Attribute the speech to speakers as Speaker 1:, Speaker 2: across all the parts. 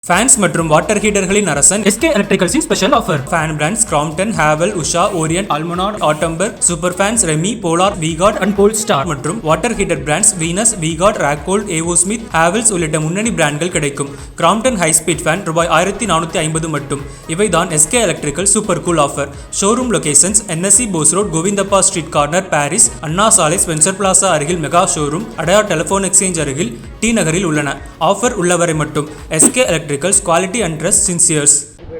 Speaker 1: Fans மற்றும் water ஹீட்டர்களின் அரசன்
Speaker 2: SK எலக்ட்ரிக்கல்ஸின் special offer.
Speaker 1: Fan brands Crompton, Havells, Usha, Orient, Almonard, Atomberg, super fans, Remi, Polar, V Guard
Speaker 2: and Polestar
Speaker 1: மற்றும் water heater brands Venus, V Guard, Racold, AO Smith, Havells உள்ளிட்ட முன்னணி பிராண்ட்கள் கிடைக்கும். Crompton high speed fan ரூபாய் 1450 மட்டும். இவைதான் SK electrical super cool offer. Showroom locations NSC Bose road, Govindappa street corner, Parrys, Anna சாலை, Spencer Plaza அருகில் mega showroom, Adyar telephone exchange அருகில் T நகரில் உள்ளன. ஆஃபர் உள்ளவரை மட்டும். SK electricals, quality and trust since years.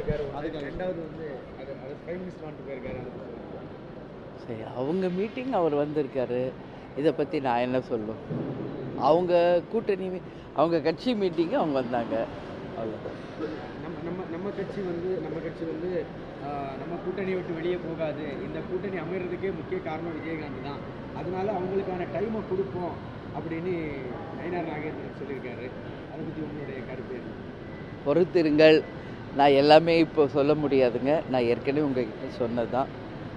Speaker 3: சரி, அவங்க மீட்டிங் அவர் வந்திருக்காரு. இதை பற்றி நான் என்ன சொல்லும்? அவங்க கூட்டணி, அவங்க கட்சி மீட்டிங்கு அவங்க வந்தாங்க. அவ்வளோதான்.
Speaker 4: நம்ம கட்சி வந்து நம்ம கூட்டணியை விட்டு வெளியே போகாது. இந்த கூட்டணி அமைகிறதுக்கே முக்கிய காரணம் விஜயகாந்த் தான். அதனால அவங்களுக்கான டைமை கொடுப்போம் அப்படின்னு நயினார் நாகேந்திரன் சொல்லியிருக்காரு. அதை பற்றி உங்களுடைய கருத்து என்ன?
Speaker 3: பொறுத்திருங்கள். நான் எல்லாமே இப்போ சொல்ல முடியாதுங்க. நான் ஏற்கனவே உங்ககிட்ட சொன்னது தான்.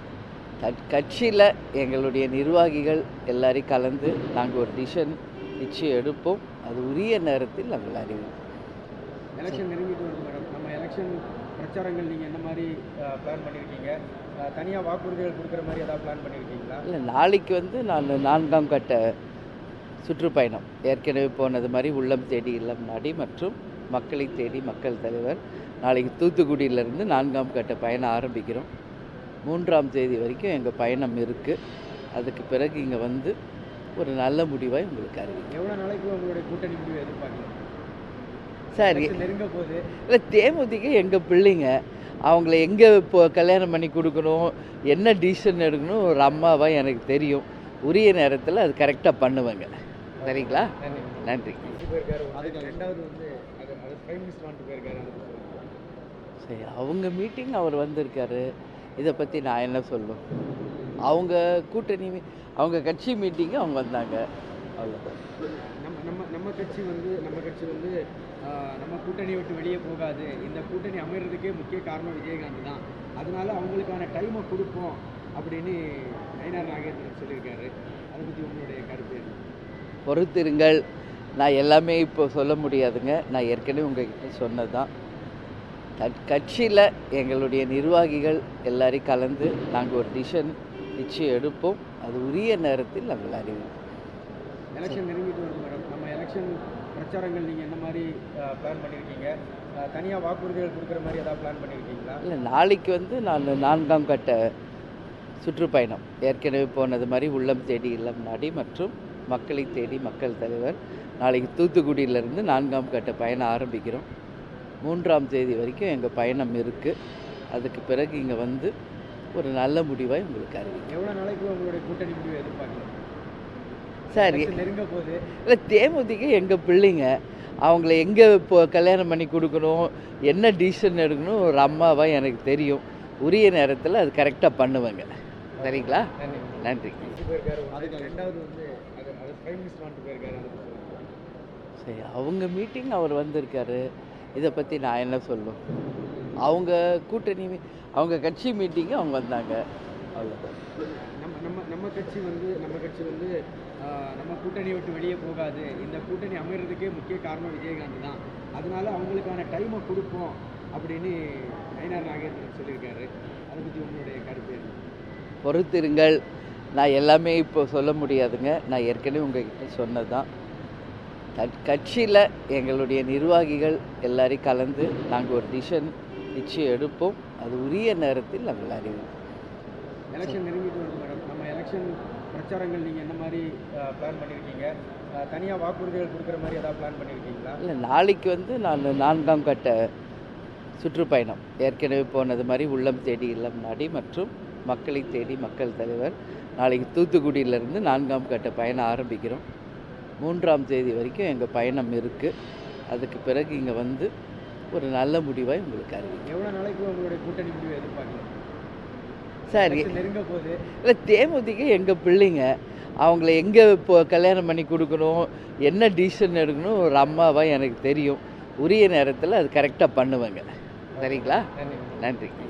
Speaker 3: கட்சியில் எங்களுடைய நிர்வாகிகள் எல்லாரையும் கலந்து நாங்கள் ஒரு டிசிஷன் நிச்சயம் எடுப்போம். அது உரிய நேரத்தில் நாங்கள் அறிவிப்போம்.
Speaker 4: எலெக்ஷன் நெருங்கிட்டு வருது மேடம். நம்ம எலெக்ஷன் பிரச்சாரங்கள் நீங்கள் என்ன மாதிரி பிளான் பண்ணியிருக்கீங்க? தனியாக வாக்குறுதிகள் கொடுக்குற மாதிரி ஏதாவது பிளான் பண்ணியிருக்கீங்களா?
Speaker 3: இல்லை, நாளைக்கு வந்து நான் 4ஆம் கட்ட சுற்றுப்பயணம் ஏற்கனவே போனது மாதிரி உள்ளம் தேடி இல்லம் நாடி மற்றும் மக்களை தேடி மக்கள் தலைவர் நாளைக்கு தூத்துக்குடியிலேருந்து 4ஆம் கட்ட பயணம் ஆரம்பிக்கிறோம். 3ஆம் தேதி வரைக்கும் எங்கள் பயணம் இருக்குது. அதுக்கு பிறகு இங்கே வந்து ஒரு நல்ல முடிவாக உங்களுக்கு அறிவிக்கும்.
Speaker 4: எவ்வளோ நாளைக்கு உங்களுடைய கூட்டணி முடிவு எதிர்பார்க்கலாம்?
Speaker 3: சரி,
Speaker 4: நெருங்க போகுது.
Speaker 3: இல்லை, தேமுதிக எங்கள் பிள்ளைங்க. அவங்கள எங்கே இப்போ கல்யாணம் பண்ணி கொடுக்கணும், என்ன டிசிஷன் எடுக்கணும் ஒரு அம்மாவாக எனக்கு தெரியும். உரிய நேரத்தில் அது கரெக்டாக பண்ணுவேங்க. சரிங்களா? நன்றி.
Speaker 4: ரெண்டாவது வந்து அது பிரைம் மினிஸ்டர் வந்துட்டு போயிருக்காரு.
Speaker 3: சரி, அவங்க மீட்டிங் அவர் வந்திருக்காரு. இதை பற்றி நான் என்ன சொல்லும்? அவங்க கூட்டணி, அவங்க கட்சி மீட்டிங்கு அவங்க வந்தாங்க. அவ்வளோதான்.
Speaker 4: நம்ம கட்சி வந்து நம்ம கூட்டணியை விட்டு வெளியே போகாது. இந்த கூட்டணி அமைகிறதுக்கே முக்கிய காரணம் விஜயகாந்த் தான். அதனால அவங்களுக்கான டைமை கொடுப்போம் அப்படின்னு நயினார் நாகேந்திரன் சொல்லியிருக்காரு. அதை பற்றி உங்களுடைய கருத்து என்ன?
Speaker 3: பொறுத்திருங்கள். நான் எல்லாமே இப்போ சொல்ல முடியாதுங்க. நான் ஏற்கனவே உங்ககிட்ட சொன்னது தான். கட்சியில் எங்களுடைய நிர்வாகிகள் எல்லாரையும் கலந்து நாங்கள் ஒரு டிசிஷன் நிச்சயம் எடுப்போம். அது உரிய நேரத்தில் நாங்கள் அறிவிப்போம்.
Speaker 4: எலெக்ஷன் நெருங்கிட்டு வருது மேடம். நம்ம எலெக்ஷன் பிரச்சாரங்கள் நீங்கள் என்ன மாதிரி பிளான் பண்ணியிருக்கீங்க? தனியாக வாக்குறுதிகள் கொடுக்குற மாதிரி ஏதாவது பிளான் பண்ணியிருக்கீங்களா?
Speaker 3: இல்லை, நாளைக்கு வந்து நான் 4ஆம் கட்ட சுற்றுப்பயணம் ஏற்கனவே போனது மாதிரி உள்ளம் தேடி இல்லம் நாடி மற்றும் மக்களை தேடி மக்கள் தலைவர் நாளைக்கு தூத்துக்குடியிலேருந்து 4ஆம் கட்ட பயணம் ஆரம்பிக்கிறோம். 3ஆம் தேதி வரைக்கும் எங்கள் பயணம் இருக்குது. அதுக்கு பிறகு இங்கே வந்து ஒரு நல்ல முடிவாக உங்களுக்கு அறிவிக்கும்.
Speaker 4: எவ்வளோ நாளைக்கு உங்களுடைய கூட்டணி முடிவு எதிர்பார்க்கலாம்?
Speaker 3: சரி,
Speaker 4: நெருங்க போகுது.
Speaker 3: இல்லை, தேமுதிக எங்கள் பிள்ளைங்க. அவங்கள எங்கே இப்போ கல்யாணம் பண்ணி கொடுக்கணும், என்ன டிசிஷன் எடுக்கணும் ஒரு அம்மாவாக எனக்கு தெரியும். உரிய நேரத்தில் அது கரெக்டாக பண்ணுவேங்க. சரிங்களா? நன்றி.
Speaker 4: ரெண்டாவது வந்து அது பிரைம் மினிஸ்டர் வந்துட்டு போயிருக்காரு.
Speaker 3: சரி, அவங்க மீட்டிங் அவர் வந்திருக்காரு. இதை பற்றி நான் என்ன சொல்லும்? அவங்க கூட்டணி, அவங்க கட்சி மீட்டிங்கு அவங்க வந்தாங்க. அவ்வளோதான்.
Speaker 4: நம்ம கட்சி வந்து நம்ம கூட்டணியை விட்டு வெளியே போகாது. இந்த கூட்டணி அமைகிறதுக்கே முக்கிய காரணம் விஜயகாந்த் தான். அதனால அவங்களுக்கான டைமை கொடுப்போம் அப்படின்னு நயினார் நாகேந்திரன் சொல்லியிருக்காரு. அதை பற்றி உங்களுடைய கருத்து என்ன?
Speaker 3: பொறுத்திருங்கள். நான் எல்லாமே இப்போ சொல்ல முடியாதுங்க. நான் ஏற்கனவே உங்ககிட்ட சொன்னது தான். கட்சியில் எங்களுடைய நிர்வாகிகள் எல்லாரையும் கலந்து நாங்கள் ஒரு டிசிஷன் நிச்சயம் எடுப்போம். அது உரிய நேரத்தில் நாங்கள் அறிவிப்போம்.
Speaker 4: எலெக்ஷன் நெருங்கிட்டு வருது மேடம். நம்ம எலெக்ஷன் பிரச்சாரங்கள் நீங்கள் என்ன மாதிரி பிளான் பண்ணியிருக்கீங்க? தனியாக வாக்குறுதிகள் கொடுக்குற மாதிரி ஏதாவது பிளான் பண்ணியிருக்கீங்களா?
Speaker 3: இல்லை, நாளைக்கு வந்து நான் 4ஆம் கட்ட சுற்றுப்பயணம் ஏற்கனவே போனது மாதிரி உள்ளம் தேடி இல்லம் நாடி மற்றும் மக்களை தேடி மக்கள் தலைவர் நாளைக்கு தூத்துக்குடியிலேருந்து 4ஆம் கட்ட பயணம் ஆரம்பிக்கிறோம். 3ஆம் தேதி வரைக்கும் எங்கள் பயணம் இருக்குது. அதுக்கு பிறகு இங்கே வந்து ஒரு நல்ல முடிவாக உங்களுக்கு அறிவிக்கும்.
Speaker 4: எவ்வளோ நாளைக்கு உங்களுடைய கூட்டணி முடிவு எதிர்பார்க்கலாம்?
Speaker 3: சரி,
Speaker 4: நெருங்க போகுது.
Speaker 3: இல்லை, தேமுதிக எங்கள் பிள்ளைங்க. அவங்கள எங்கே இப்போ கல்யாணம் பண்ணி கொடுக்கணும், என்ன டிசிஷன் எடுக்கணும் ஒரு அம்மாவாக எனக்கு தெரியும். உரிய நேரத்தில் அது கரெக்டாக பண்ணுவேங்க. சரிங்களா? நன்றி.